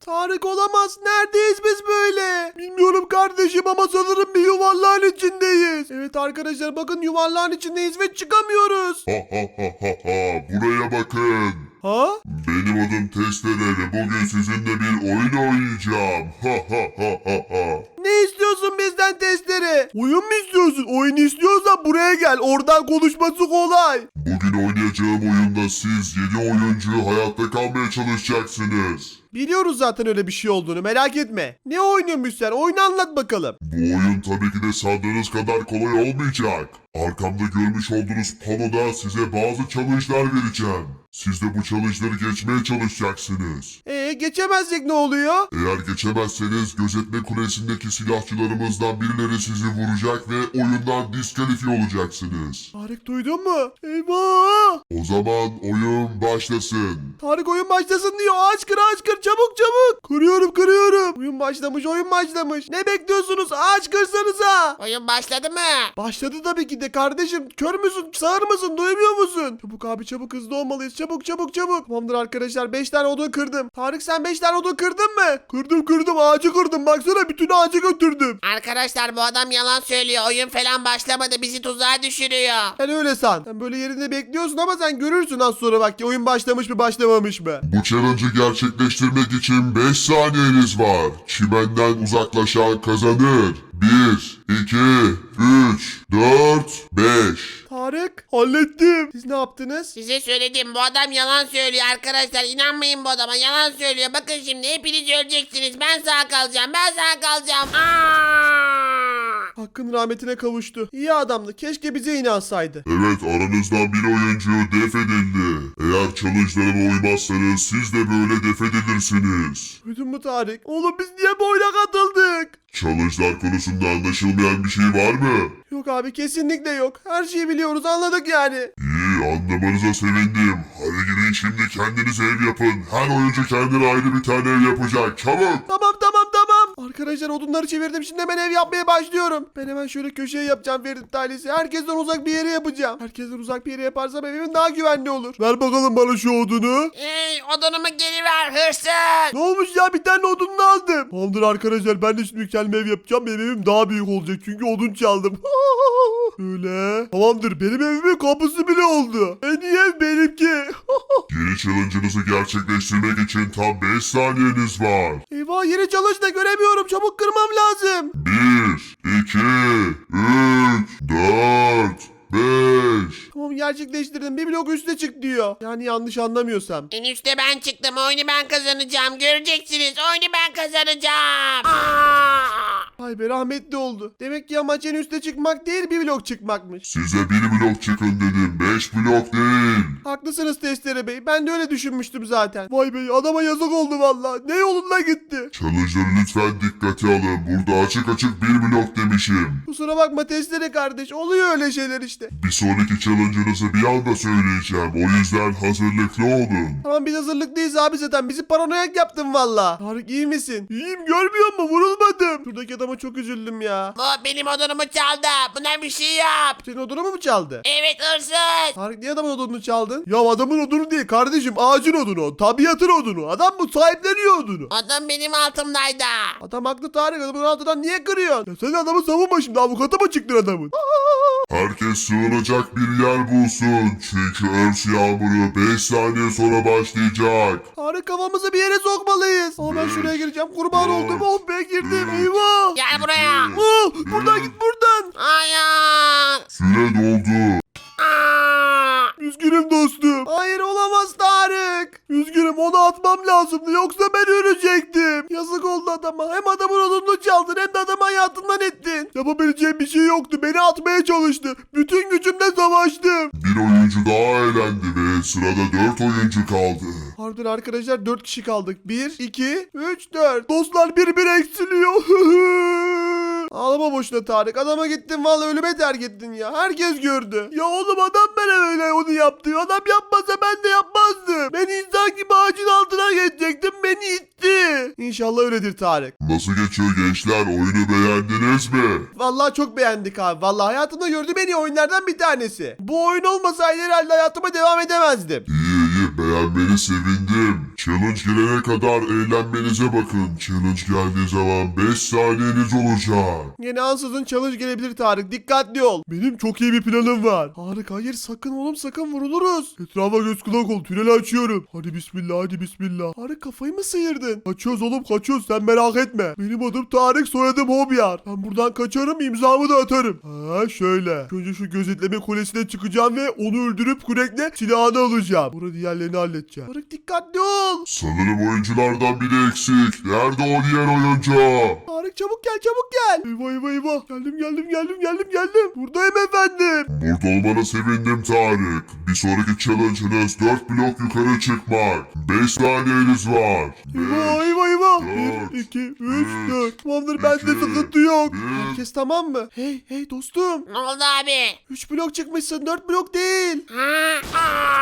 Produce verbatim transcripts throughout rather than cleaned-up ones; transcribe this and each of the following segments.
Tarık olamaz. Neredeyiz biz böyle? Bilmiyorum kardeşim ama sanırım bir yuvarlağın içindeyiz. Evet arkadaşlar bakın yuvarlağın içindeyiz ve çıkamıyoruz. Ha ha ha ha ha. Buraya bakın. Ha? Benim adım Testere ve bugün sizinle bir oyun oynayacağım. Ha ha ha ha ha. Ne istiyorsun bizden testere? Oyun mu istiyorsun? Oyun istiyorsan buraya gel. Oradan konuşması kolay. Bugün oynayacağım oyunda siz yedi oyuncu hayatta kalmaya çalışacaksınız. Biliyoruz zaten öyle bir şey olduğunu, merak etme. Ne oynuyormuş sen? Oyunu anlat bakalım. Bu oyun tabii ki de sandığınız kadar kolay olmayacak. Arkamda görmüş olduğunuz panoda size bazı challenge'lar vereceğim. Siz de bu challenge'ları geçmeye çalışacaksınız. Ee geçemezsek ne oluyor? Eğer geçemezseniz gözetleme kulesindeki silahçılarımızdan birileri sizi vuracak ve oyundan diskalifiye olacaksınız. Tarık duydun mu? Eyvah! O zaman oyun başlasın. Tarık oyun başlasın diyor. Aç kır aç kır çabuk çabuk. Kırıyorum kırıyorum. Oyun başlamış oyun başlamış. Ne bekliyorsunuz? Aç kırsanıza. Oyun başladı mı? Başladı tabii ki de kardeşim. Kör müsün? Sağır mısın? Duymuyor musun? Çabuk abi çabuk hızlı olmalıyız. Çabuk çabuk çabuk. Tamamdır arkadaşlar. beş tane odun kırdım. Tarık sen beş tane odun kırdın mı? Kırdım kırdım. Ağacı kırdım. Baksana bütün ağacı götürdüm. Arkadaşlar bu adam yalan söylüyor. Oyun falan başlamadı. Bizi tuzağa düşürüyor. Sen öyle san. Sen böyle yerinde bekliyorsun ama sen görürsün az sonra bak ki oyun başlamış mı başlamamış mı? Bu challenge'ı gerçekleştirmek için beş saniyeniz var. Çimenden uzaklaşan kazanır. bir, iki, üç, dört, beş. Tarık hallettim. Siz ne yaptınız? Size söyledim bu adam yalan söylüyor arkadaşlar. İnanmayın bu adama yalan söylüyor. Bakın şimdi hepiniz öleceksiniz. Ben sağ kalacağım. Ben sağ kalacağım. Aa! Hakkın rahmetine kavuştu. İyi adamdı. Keşke bize inansaydı. Evet, aranızdan bir oyuncu def edildi. Eğer challenge'larıma uymazsanız siz de böyle def edilirsiniz. Duydun mu Tarık? Oğlum biz niye bu oyuna katıldık? Challenge'lar konusunda anlaşılmayan bir şey var mı? Yok abi kesinlikle yok. Her şeyi biliyoruz anladık yani. İyi, anlamanıza sevindim. Hadi gidin şimdi kendinize ev yapın. Her oyuncu kendine ayrı bir tane ev yapacak. Çabuk! Tamam tamam tamam. Arkadaşlar odunları çevirdim. Şimdi hemen ev yapmaya başlıyorum. Ben hemen şöyle köşeye yapacağım Ferit ailesi. Herkesten uzak bir yere yapacağım. Herkesten uzak bir yere yaparsam evimin daha güvenli olur. Ver bakalım bana şu odunu. Ey odunumu geri ver hırsız. Ne olmuş ya bir tane odununu aldım. Tamamdır arkadaşlar ben de şimdi kendime ev yapacağım. Benim evim daha büyük olacak çünkü odun çaldım. Öyle. Tamamdır benim evimin kapısı bile oldu. En iyi ev benimki. Yeni challenge'ınızı gerçekleştirmek için tam beş saniyeniz var. Eyvah yeni çalış da göremiyorum. Çabuk kırmam lazım. bir, iki, üç, dört, beş. Tamam gerçekleştirdim. Bir blok üstüne çık diyor. Yani yanlış anlamıyorsam. En üstte ben çıktım. Oyunu ben kazanacağım. Göreceksiniz. Oyunu ben kazanacağım. Aa! Vay be rahmetli oldu. Demek ki amaç en üste çıkmak değil bir blok çıkmakmış. Size bir blok çıkın dedim. Beş blok değil. Haklısınız Testere Bey. Ben de öyle düşünmüştüm zaten. Vay be adama yazık oldu valla. Ne yolunda gitti. Challenge'ları lütfen dikkate alın. Burada açık açık bir blok demişim. Kusura bakma Testere kardeş. Oluyor öyle şeyler işte. Bir sonraki challenge'ınızı bir anda söyleyeceğim. O yüzden hazırlıklı olun. Tamam biz hazırlıklıyız abi zaten. Bizi paranoyak yaptın valla. Tarık iyi misin? İyiyim görmüyor musun? Vurulmadım. Şuradaki adama çok üzüldüm ya. Bu benim odunumu çaldı. Buna bir şey yap. Senin odunu mu çaldı? Evet hırsız. Tarık niye adamın odununu çaldın? Ya adamın odunu değil kardeşim ağacın odunu o. Tabiatın odunu. Adam bu sahipleniyor odunu. Odun benim altımdaydı. Adam haklı Tarık adamın altından niye kırıyorsun? Ya sen adamı savunma şimdi avukata mı çıktın adamın? Herkes sığınacak bir yer bulsun. Çünkü örs yağmuru beş saniye sonra başlayacak. Tarık kafamızı bir yere sokmalıyız. Ama ben şuraya gireceğim kurban oldum. Oh be girdim eyvah. Gel buraya. Oh, buradan git buradan. Hayır. Süre doldu. Aa! Üzgünüm dostum. Hayır olamaz Tarık. Üzgünüm onu atmam lazımdı yoksa ben ölecektim. Yazık oldu adama. Hem adamın odununu çaldın hem de adamı hayatından ettin. Yapabileceğim bir şey yoktu. Beni atmaya çalıştı. Bütün gücümle savaştım. Bir oyuncu daha eğlendi ve sırada dört oyuncu kaldı. Harbiden arkadaşlar dört kişi kaldık. bir, iki, üç, dört. Dostlar bir bir eksiliyor. Ağlama boşuna Tarık. Adama gittin vallahi ölüme terk ettin ya. Herkes gördü. Ya oğlum adam bana öyle onu yaptı. Adam yapmasa ben de yapmazdım. Ben insan gibi ağacın altına geçecektim. Beni itti. İnşallah öyledir Tarık. Nasıl geçiyor gençler? Oyunu beğendiniz mi? Vallahi çok beğendik abi. Vallahi hayatımda gördüğüm en iyi oyunlardan bir tanesi. Bu oyun olmasaydı herhalde hayatıma devam edemezdim. İyi iyi, beğenmeni sevindim. Challenge gelene kadar eğlenmenize bakın. Challenge geldiği zaman beş saniyeniz olacak. Yine ansızın challenge gelebilir Tarık. Dikkatli ol. Benim çok iyi bir planım var. Tarık hayır sakın oğlum sakın vuruluruz. Etrafa göz kulak ol. Tüneli açıyorum. Hadi bismillah hadi bismillah. Tarık kafayı mı sıyırdın? Kaçıyoruz oğlum kaçıyoruz sen merak etme. Benim adım Tarık soyadım Hobyar. Ben buradan kaçarım imzamı da atarım. Ha şöyle. Önce şu gözetleme kulesine çıkacağım ve onu öldürüp kürekle silahını alacağım. Burada diğerlerini halledeceğim. Tarık dikkatli ol. Sanırım oyunculardan biri eksik. Nerede o diğer oyuncu? Tarık çabuk gel çabuk gel. Eyvah eyvah eyvah. Geldim geldim geldim geldim geldim. Buradayım efendim. Burada olmana sevindim Tarık. Bir sonraki challenge'ınız dört blok yukarı çıkmak. beş saniyeniz var. Eyvah beş, eyvah eyvah. dört, bir, iki, üç, üç, dört. Tamamdır bende iki, sıkıntı yok. bir. Herkes tamam mı? Hey hey dostum. Ne oldu abi? üç blok çıkmışsın dört blok değil. Ha?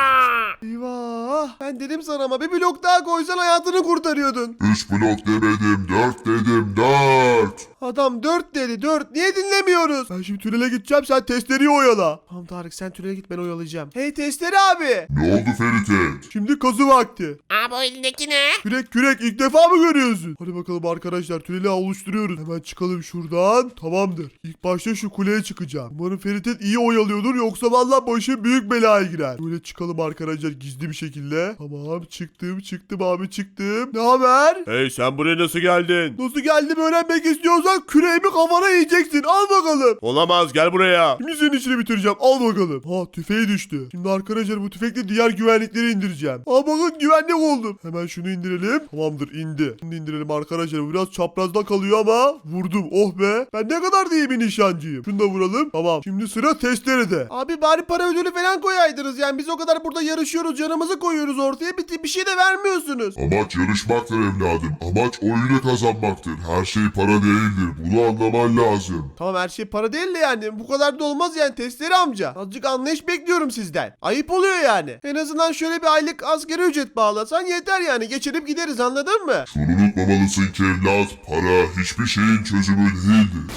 Aa! Eyvah. Ben dedim sana ama bir blok daha koysan hayatını kurtarıyordun. üç blok demedim, dört dedim, dört. Adam dört dedi dört. Niye dinlemiyoruz? Ben şimdi tünele gideceğim sen testleri oyala. Tamam Tarık sen tünele git ben oyalayacağım. Hey testleri abi. Ne oldu Ferit? Şimdi kazı vakti. Abi o elindeki ne? Kürek kürek ilk defa mı görüyorsun? Hadi bakalım arkadaşlar tüneli oluşturuyoruz. Hemen çıkalım şuradan. Tamamdır. İlk başta şu kuleye çıkacağım. Umarım Ferit iyi oyalıyordur yoksa vallahi başı büyük belaya girer. Böyle çıkalım arkadaşlar gizli bir şekilde. Tamam çıktım çıktım abi çıktım. Ne haber? Hey sen buraya nasıl geldin? Nasıl geldim öğrenmek istiyorsan küreğimi kafana yiyeceksin. Al bakalım. Olamaz gel buraya. Şimdi senin işini bitireceğim. Al bakalım. Ha tüfeği düştü. Şimdi arkadaşlar bu tüfekle diğer güvenlikleri indireceğim. Aa bakın güvenlik oldum. Hemen şunu indirelim. Tamamdır indi. Şimdi indirelim arkadaşlar. Bu biraz çaprazda kalıyor ama vurdum. Oh be. Ben ne kadar da iyi bir nişancıyım. Şunu da vuralım. Tamam. Şimdi sıra testerede. Abi bari para ödülü falan koyaydınız. Yani biz o kadar burada yarışıyoruz. Canımızı koyuyoruz ortaya. Bir, bir şey de vermiyorsunuz. Amaç yarışmaktır evladım. Amaç oyunu kazanmaktır. Her şey para değildir. Bunu anlaman lazım. Tamam her şey para değil de yani. Bu kadar da olmaz yani testleri amca. Azıcık anlayış bekliyorum sizden. Ayıp oluyor yani. En azından şöyle bir aylık asgari ücret bağlasan yeter yani. Geçirip gideriz anladın mı? Şunu unutmamalısın ki evlat. Para hiçbir şeyin çözümü değildir.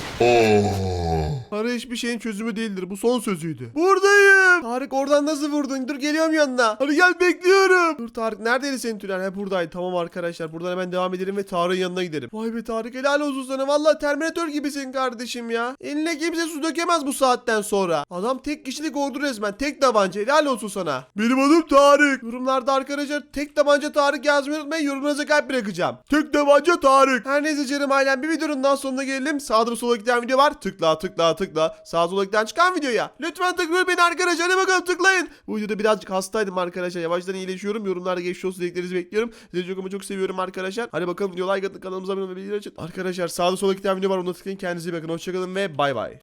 Aa. Para hiçbir şeyin çözümü değildir. Bu son sözüydü. Buradayım. Tarık oradan nasıl vurdun? Dur geliyorum yanına. Hadi gel bekliyorum. Dur Tarık neredeydi senin tünel? He buradaydı. Tamam arkadaşlar. Buradan hemen devam edelim ve Tarık'ın yanına gidelim. Vay be Tarık helal olsun sana. Vallahi Terminator gibisin kardeşim ya. Eline kimse su dökemez bu saatten sonra. Adam tek kişilik ordu resmen. Tek tabanca. Helal olsun sana. Benim adım Tarık. Yorumlarda arkadaşlar tek tabanca Tarık yazmayı unutmayın. Yorumunuza kalp bırakacağım. Tek tabanca Tarık. Her neyse canım ailem bir videonun daha sonuna gelelim. Sağda sola giden video var. Tıkla tıkla tıkla. Sağ sola giden çıkan videoya. Lütfen tıklayın beni arkadaşlar. Hadi bakalım tıklayın. Bu videoda birazcık hastaydım arkadaşlar. Yavaştan iyileşiyorum. Yorumlarda geçmiş olsun dileklerinizi bekliyorum. Sizi çok ama çok seviyorum arkadaşlar. Hadi bakalım video like atın kanalımıza abone olmayı bildirin açın. Arkadaşlar sağda sola giden video var. Onu tıklayın. Kendinize iyi bakın. Hoşçakalın ve bay bay.